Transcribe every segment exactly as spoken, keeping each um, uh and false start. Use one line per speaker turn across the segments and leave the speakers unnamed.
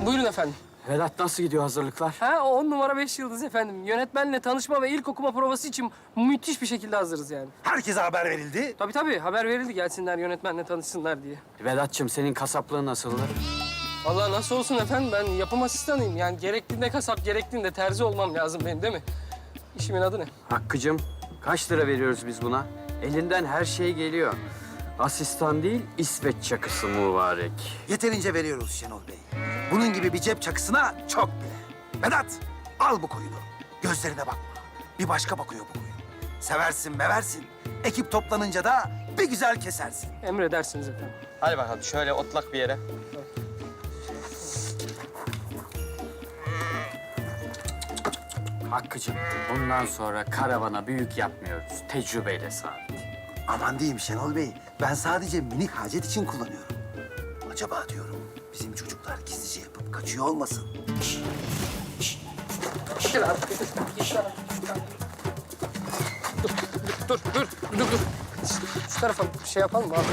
Buyurun efendim.
Vedat nasıl gidiyor hazırlıklar?
Ha, on numara beş yıldız efendim. Yönetmenle tanışma ve ilk okuma provası için müthiş bir şekilde hazırız yani.
Herkese haber verildi.
Tabii tabii, haber verildi gelsinler yönetmenle tanışsınlar diye.
Vedat'cığım senin kasaplığın nasıldı?
Vallahi nasıl olsun efendim, ben yapım asistanıyım. Yani gerektiğinde kasap, gerektiğinde terzi olmam lazım benim, değil mi? İşimin adı ne?
Hakkı'cığım kaç lira veriyoruz biz buna? Elinden her şey geliyor. Asistan değil, İsveç çakısı mübarek.
Yeterince veriyoruz Şenol Bey. Bunun gibi bir cep çakısına çok bile. Vedat, al bu koyunu. Gözlerine bakma. Bir başka bakıyor bu koyun. Seversin, meversin. Ekip toplanınca da bir güzel kesersin.
Emredersiniz efendim.
Hadi bakalım şöyle otlak bir yere.
Hakkı'cığım bundan sonra karavana büyük yapmıyoruz. Tecrübeyle sabit.
Aman diyeyim Şenol Bey. Ben sadece minik hacet için kullanıyorum. Acaba diyorum bizim çocuklar gizlice yapıp kaçıyor olmasın?
Gel abi. Gel abi. Dur, dur, dur, dur, dur. Şu tarafa bir şey yapalım mı abi?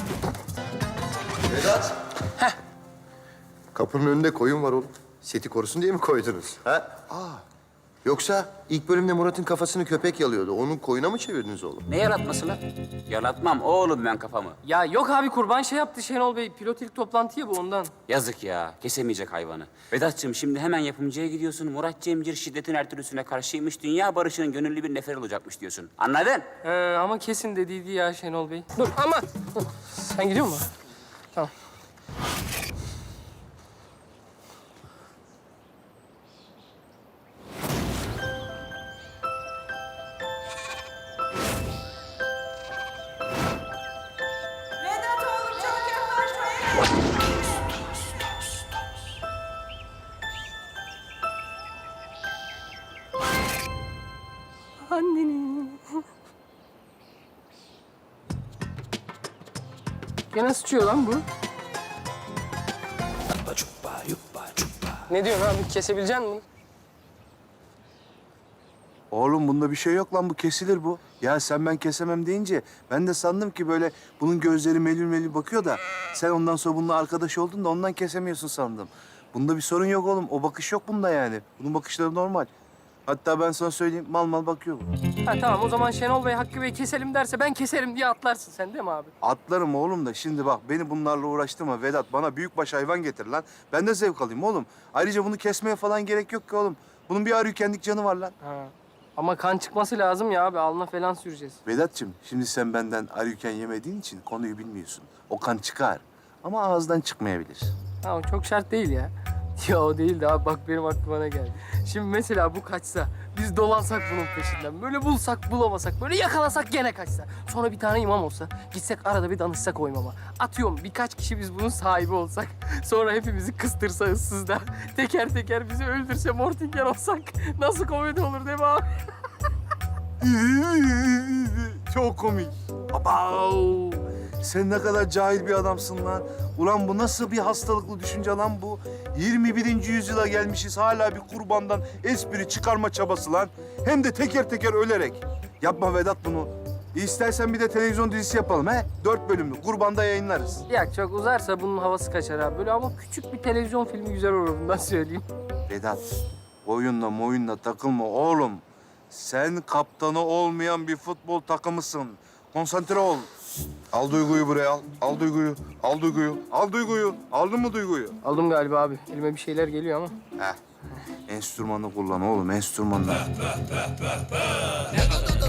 Vedat. Kapının önünde koyun var oğlum. Seti korusun diye mi koydunuz? Ha? Aa. Yoksa ilk bölümde Murat'ın kafasını köpek yalıyordu. Onun koyuna mı çevirdiniz oğlum?
Ne yaratması lan? Yaratmam oğlum ben kafamı.
Ya yok abi, kurban şey yaptı Şenol Bey. Pilot ilk toplantı ya bu, ondan.
Yazık ya, kesemeyecek hayvanı. Vedat'cığım şimdi hemen yapımcıya gidiyorsun. Murat Cemcir şiddetin her türlüsüne karşıymış. Dünya barışının gönüllü bir nefer olacakmış diyorsun. Anladın?
Ee, ama kesin dediydi ya Şenol Bey. Dur aman. Sen gidiyor musun? Tamam.
Vedat oğlum çok yaklaşmayın.
Anneni. Gene sıçıyor lan bu. Ne diyorsun abi? Kesebilecek misin bunu?
Oğlum bunda bir şey yok lan, bu kesilir bu. Ya sen ben kesemem deyince ben de sandım ki böyle bunun gözleri melül melül bakıyor da sen ondan sonra bununla arkadaş oldun da ondan kesemiyorsun sandım. Bunda bir sorun yok oğlum. O bakış yok bunda yani. Bunun bakışları normal. Hatta ben sana söyleyeyim, mal mal bakıyor bu.
Ha tamam, o zaman Şenol Bey Hakkı Bey keselim derse ben keserim diye atlarsın sen, değil mi abi?
Atlarım oğlum da şimdi bak beni bunlarla uğraştırma Vedat. Bana büyükbaş hayvan getir lan. Ben de zevk alayım oğlum. Ayrıca bunu kesmeye falan gerek yok ki oğlum. Bunun bir arıykendik canı var lan.
Ha. Ama kan çıkması lazım ya abi. Alnına falan süreceğiz.
Vedat'cığım şimdi sen benden arıyken yemediğin için konuyu bilmiyorsun. O kan çıkar ama ağızdan çıkmayabilir.
Ha, o çok şart değil ya. Ya o değil de abi, bak benim aklıma ne geldi. Şimdi mesela bu kaçsa, biz dolansak bunun peşinden. Böyle bulsak bulamasak, böyle yakalasak gene kaçsa. Sonra bir tane imam olsa, gitsek arada bir danışsak o imama. Atıyorum birkaç kişi biz bunun sahibi olsak. Sonra hepimizi kıstırsa ıssızda. Teker teker bizi öldürse Mortingen olsak. Nasıl komedi olur değil mi abi?
Çok komik. Abav! Sen ne kadar cahil bir adamsın lan. Ulan bu nasıl bir hastalıklı düşünce lan bu? yirmi birinci yüzyıla gelmişiz, hala bir kurbandan espri çıkarma çabası lan. Hem de teker teker ölerek. Yapma Vedat bunu. İstersen bir de televizyon dizisi yapalım he? Dört bölümlü, kurbanda yayınlarız.
Ya çok uzarsa bunun havası kaçar abi. Böyle ama küçük bir televizyon filmi güzel olur, bundan söyleyeyim.
Vedat, oyunla moyunla takılma oğlum. Sen kaptanı olmayan bir futbol takımısın. Konsantre ol.
Al Duygu'yu buraya al. Al Duygu'yu. Al Duygu'yu.
Al Duygu'yu. Aldın mı Duygu'yu?
Aldım galiba abi. Elime bir şeyler geliyor ama.
Heh. Enstrümanı kullan oğlum, enstrümanı.